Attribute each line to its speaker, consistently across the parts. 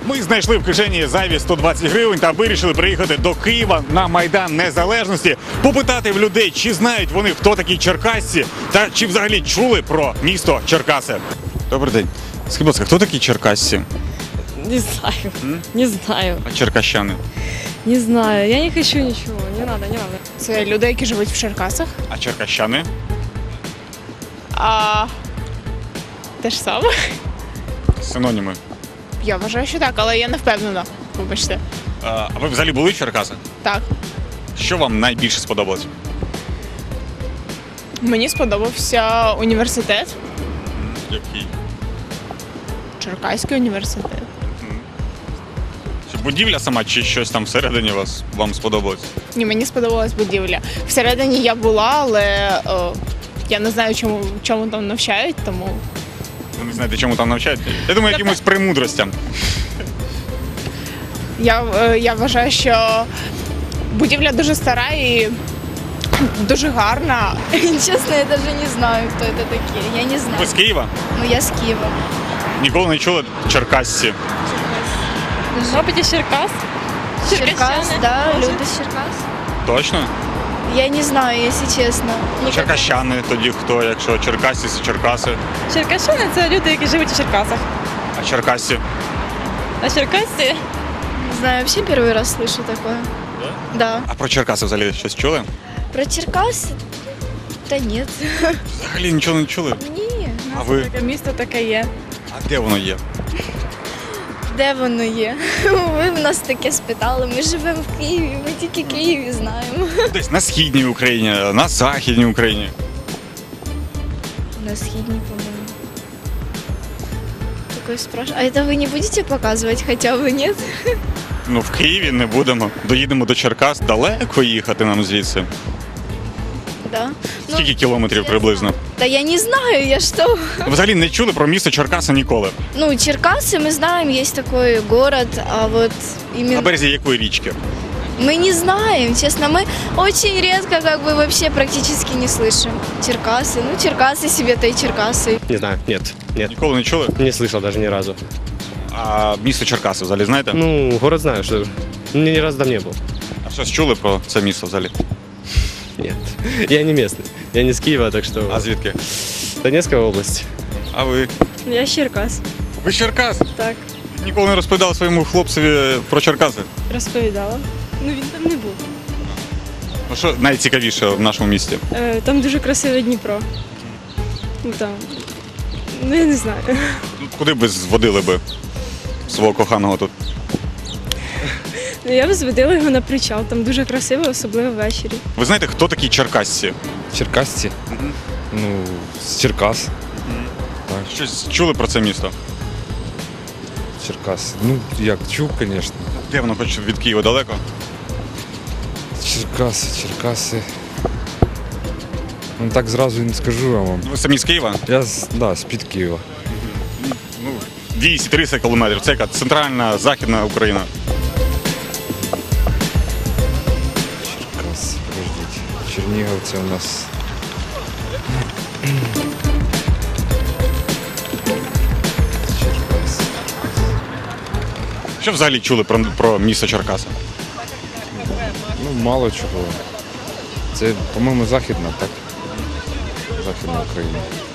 Speaker 1: Ми знайшли в кишені зайві 120 гривень та вирішили приїхати до Києва на Майдан Незалежності, попитати в людей, чи знають вони, хто такі черкасці, та чи взагалі чули про місто Черкаси. Добрий день. Скажіть, будь ласка, хто такі черкасці?
Speaker 2: Не знаю. Не знаю.
Speaker 1: А черкащани?
Speaker 2: Не знаю. Я не хочу ничего. Не надо, не надо.
Speaker 3: Це люди, які живуть в Черкасах.
Speaker 1: А черкащани?
Speaker 3: Те ж саме.
Speaker 1: Синоніми.
Speaker 3: Я вважаю, що так, але я не впевнена. Вибачте.
Speaker 1: А ви взагалі були в Черкасах?
Speaker 3: Так.
Speaker 1: Що вам найбільше сподобалось?
Speaker 3: Мені сподобався університет.
Speaker 1: Який?
Speaker 3: Черкаський університет.
Speaker 1: Чи будівля сама, чи щось там всередині вам сподобалось?
Speaker 3: Ні, мені сподобалась будівля. Всередині я була, але я не знаю, чому там навчають, тому.
Speaker 1: Ви не знаєте, чому там навчають? Я думаю, якимось премудростям.
Speaker 3: Я вважаю, що будівля дуже стара і дуже гарна.
Speaker 4: Честно, я даже не знаю, кто это такие. Я не знаю.
Speaker 1: Ви з Києва?
Speaker 4: Ну, я с Киева.
Speaker 1: Ніколи не чули черкасці?
Speaker 2: Может из Черкас?
Speaker 4: Черкас, да, люди с Черкас.
Speaker 1: Точно?
Speaker 4: Я не знаю, если честно.
Speaker 1: Черкащани тоді хто, якщо черкасці, це черкаси.
Speaker 2: Черкащани – це люди, які живуть у Черкасах.
Speaker 1: А черкасці?
Speaker 2: А Черкасці?
Speaker 4: Не знаю, вообще первый раз слышу такое. Да?
Speaker 1: А про Черкаси взагалі щось чули?
Speaker 4: Про Черкас? Да нет.
Speaker 1: Взагалі нічого не чули?
Speaker 4: Ні.
Speaker 1: А ви?
Speaker 2: Таке місто таке є.
Speaker 1: А де воно є?
Speaker 4: Де воно є? Ви в нас таке спитали. Ми живемо в Києві, ми тільки Києві знаємо.
Speaker 1: Десь на східній Україні, на західній Україні.
Speaker 4: На східній, по-моєму. Такое спрашиваю. А это вы не будете показывать хотя бы, нет?
Speaker 1: Ну, в Києві не будемо. Доїдемо до Черкас, далеко їхати нам звідси.
Speaker 4: Да.
Speaker 1: Скільки кілометрів приблизно?
Speaker 4: Да я не знаю, я что?
Speaker 1: Ви взагалі не чули про місто Черкаси ніколи?
Speaker 4: Ну, Черкасы мы знаем, есть такой город, а вот
Speaker 1: На
Speaker 4: именно
Speaker 1: березі якої річки?
Speaker 4: мы не знаем, честно, мы очень редко как бы вообще практически не слышим Черкасы. Ну, Черкасы себе-то и Черкасы.
Speaker 5: Не знаю, нет.
Speaker 1: Ніколи не чули?
Speaker 5: Не слышал даже ни разу.
Speaker 1: А місто Черкаси взагалі знаєте?
Speaker 5: Ну, город знаю, что ни разу там не был.
Speaker 1: А щось чули про це місто взагалі?
Speaker 5: Нет. Я не местный. Я не с Киева, так что...
Speaker 1: А звідки?
Speaker 5: Донецкая область.
Speaker 1: А ви?
Speaker 2: Я з Черкас.
Speaker 1: Ви з Черкас?
Speaker 2: Так.
Speaker 1: Ніколи не розповідали своєму хлопцеві про Черкаси?
Speaker 2: Розповідала. Ну він там не був.
Speaker 1: Ну що найцікавіше в нашому місті?
Speaker 2: Там дуже красиве Дніпро. Ну там. Ну я не знаю.
Speaker 1: Ну, куди б зводили би свого коханого тут?
Speaker 2: Ну, я б зводила його на причал, там дуже красиво, особливо ввечері.
Speaker 1: Ви знаєте, хто такі черкасці?
Speaker 6: Черкасці? Ну, з Черкас.
Speaker 1: Щось чули про це місто?
Speaker 6: Черкас. Ну, як чув, звісно.
Speaker 1: Де воно, хоч від Києва далеко?
Speaker 6: Черкаси. Ну так зразу і не скажу я вам.
Speaker 1: Ви самі з Києва?
Speaker 6: Я з-під Києва.
Speaker 1: Ну, 200-300 кілометрів. Це яка центральна, західна Україна.
Speaker 6: Черкас, подождіть. Чернігов це у нас. Черкас.
Speaker 1: Що взагалі чули про місто Черкаси?
Speaker 6: Ну, мало чого. Це, по-моєму, західна, так? Західна Україна.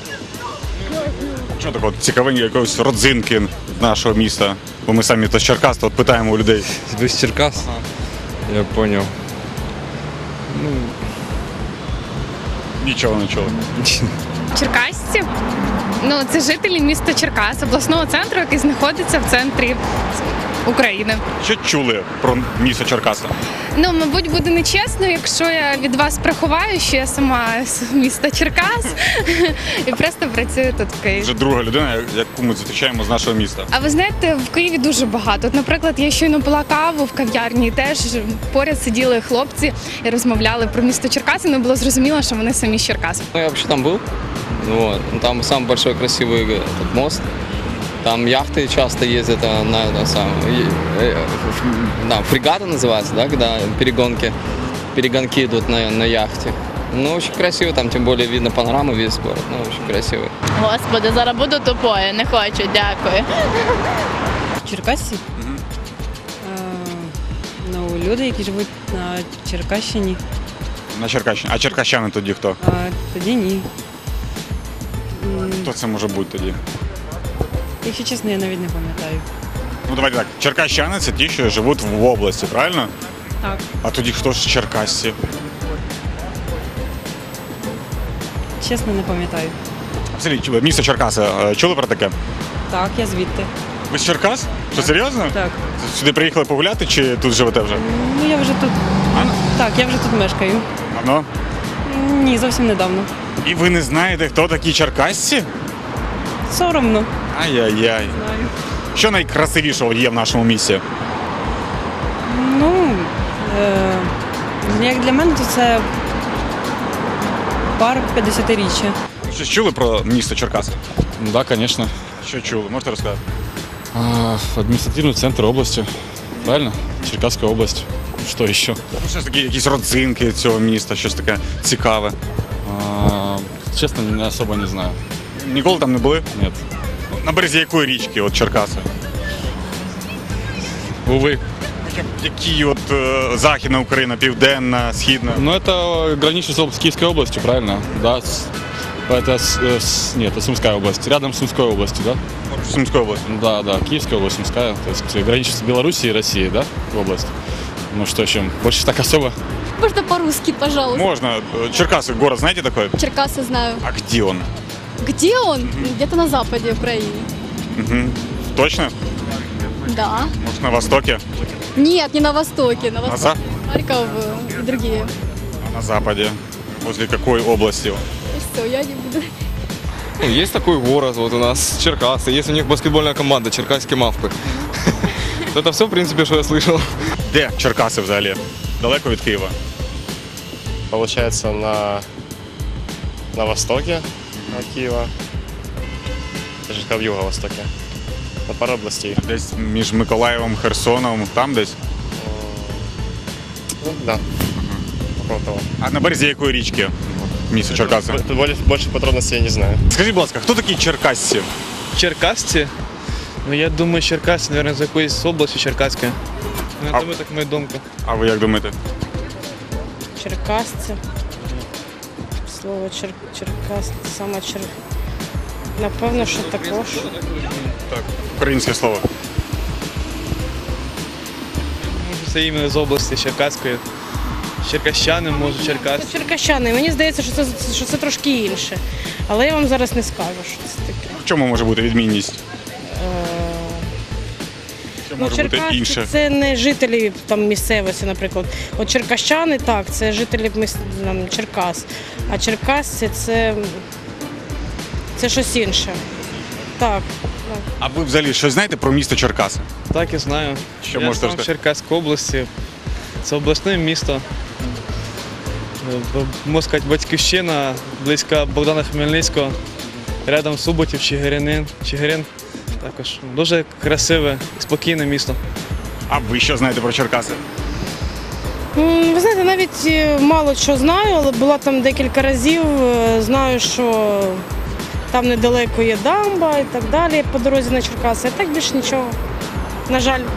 Speaker 1: Що такого цікавенького, якоїсь родзинки нашого міста? Бо ми самі то з Черкас, то от питаємо у людей.
Speaker 6: Ви з Черкас? Я зрозумів. Ну,
Speaker 1: Нічого не чули.
Speaker 7: Черкасці? Ну, це жителі міста Черкас, обласного центру, який знаходиться в центрі України.
Speaker 1: Що чули про місто Черкаси?
Speaker 7: Ну, мабуть, буде нечесно, якщо я від вас приховаю, що я сама з міста Черкас і просто працюю тут в Києві.
Speaker 1: Вже друга людина, яку ми зустрічаємо з нашого міста.
Speaker 7: А ви знаєте, в Києві дуже багато. От, наприклад, я щойно пила каву в кав'ярні, і теж поряд сиділи хлопці і розмовляли про місто Черкаси, але було зрозуміло, що вони самі з Черкас.
Speaker 8: Ну, я вообще там был. Вот. Там самый большой красивый этот мост. Там яхты часто ездят на фрегаты называется, да, когда перегонки идут на яхте. Ну, очень красиво, там тем более видно панораму, весь город, ну, очень красивый.
Speaker 9: Господи, зараз буду тупою, не хочу, дякую. Черкасці? Ну, люди, які живуть на Черкащині.
Speaker 1: На Черкащині. А черкащани тоді хто?
Speaker 9: Тоді ні.
Speaker 1: Хто це може бути тоді?
Speaker 9: Якщо чесно, я навіть не пам'ятаю.
Speaker 1: Ну давайте так. Черкащани це ті, що живуть в області, правильно?
Speaker 9: Так.
Speaker 1: А тоді хто ж черкасці?
Speaker 9: Чесно, не пам'ятаю.
Speaker 1: Взагалі, місто Черкаси. Чули про таке?
Speaker 9: Так, я звідти.
Speaker 1: Ви з Черкас? Що, серйозно?
Speaker 9: Так.
Speaker 1: Сюди приїхали погуляти чи тут живете вже?
Speaker 9: Ну, я вже тут. Так, я вже тут мешкаю.
Speaker 1: Давно?
Speaker 9: Ні, зовсім недавно.
Speaker 1: І ви не знаєте, хто такі черкасці?
Speaker 9: Соромно.
Speaker 1: Ай-яй-яй.
Speaker 9: Знаю.
Speaker 1: Що найкрасивішого є в нашому місті?
Speaker 9: Ну, як для мене, то це парк 50-річчя.
Speaker 1: Щось чули про місто Черкаси?
Speaker 6: Да, конечно.
Speaker 1: Що чули? Можете розказати?
Speaker 6: Административный центр области. Правильно? Черкасская область. Что еще?
Speaker 1: Ну, щось такі, якісь родзинки цього міста, щось таке цікаве.
Speaker 6: Честно, особо не знаю.
Speaker 1: Ніколи там не були?
Speaker 6: Нет.
Speaker 1: На березі якої річки, от Черкаси?
Speaker 6: Увы.
Speaker 1: Хоча б які от Західна Україна, Південна, Східна?
Speaker 6: Но это граничит с Киевской областью, правильно? Да. Это нет, это Сумская область. Рядом с Сумской областью, да?
Speaker 1: Сумської області.
Speaker 6: Да, да, Киевская область, Сумская. То есть граничит с Белоруссией и Россией, да, область. Ну что еще? Больше так особо.
Speaker 10: Можно по-русски, пожалуйста.
Speaker 1: Можно. Черкасы, город, знаете такой?
Speaker 10: Черкасы знаю.
Speaker 1: А где он?
Speaker 10: Где он? Где-то на западе Украины.
Speaker 1: Угу. Точно?
Speaker 10: Да.
Speaker 1: Может, на востоке?
Speaker 10: Нет, не на востоке. На
Speaker 1: На,
Speaker 10: востоке. Харьков и другие.
Speaker 1: на западе. Возле какой области?
Speaker 10: Все, я не буду.
Speaker 11: Ну, есть такой город вот у нас, Черкасы. Есть у них баскетбольная команда, Черкасские мавпы. Это все, в принципе, что я слышал.
Speaker 1: Де Черкаси взагалі? Далеко від Києва?
Speaker 12: Получается, на востоке от Киева. Даже в юго-востоке. На пару областей.
Speaker 1: Десь між Миколаєвом, Херсоном, там десь?
Speaker 12: Ну, да. Около того.
Speaker 1: А на березі якої річки? Місто Черкаси.
Speaker 12: Больше подробностей я не знаю.
Speaker 1: Скажіть, будь ласка, хто такі черкасці?
Speaker 13: Черкасці? Ну я думаю, Черкасці, мабуть, з якоїсь області Черкаської. Ну,
Speaker 1: А-
Speaker 13: я думаю, так моя думка.
Speaker 1: А ви як думаєте?
Speaker 14: Черкасці. Слово Черкас, саме Напевно, що також.
Speaker 1: Так, українське слово.
Speaker 13: Може, це іменно з області Черкаської. Черкащани, може, Черкас.
Speaker 14: Це черкащани. Мені здається, що це трошки інше. Але я вам зараз не скажу, що це таке.
Speaker 1: В чому може бути відмінність? Що
Speaker 14: Ну,
Speaker 1: може бути
Speaker 14: черкасці
Speaker 1: інше?
Speaker 14: це не жителі там місцевості, наприклад. От черкащани, так, це жителі там, Черкас. А черкасці це щось інше. Так.
Speaker 1: А ви взагалі щось знаєте про місто Черкаси?
Speaker 13: Так, я знаю.
Speaker 1: Що
Speaker 13: я
Speaker 1: можете
Speaker 13: сам з
Speaker 1: сказати?
Speaker 13: Черкаської області. Це обласне місто. Можна сказати, батьківщина, близько Богдана Хмельницького. Рядом Суботів, Чигирин. Також дуже красиве, спокійне місто.
Speaker 1: А ви що знаєте про Черкаси?
Speaker 14: Ви знаєте, навіть мало що знаю, але була там декілька разів. Знаю, що там недалеко є дамба і так далі по дорозі на Черкаси. А так більше нічого. На жаль.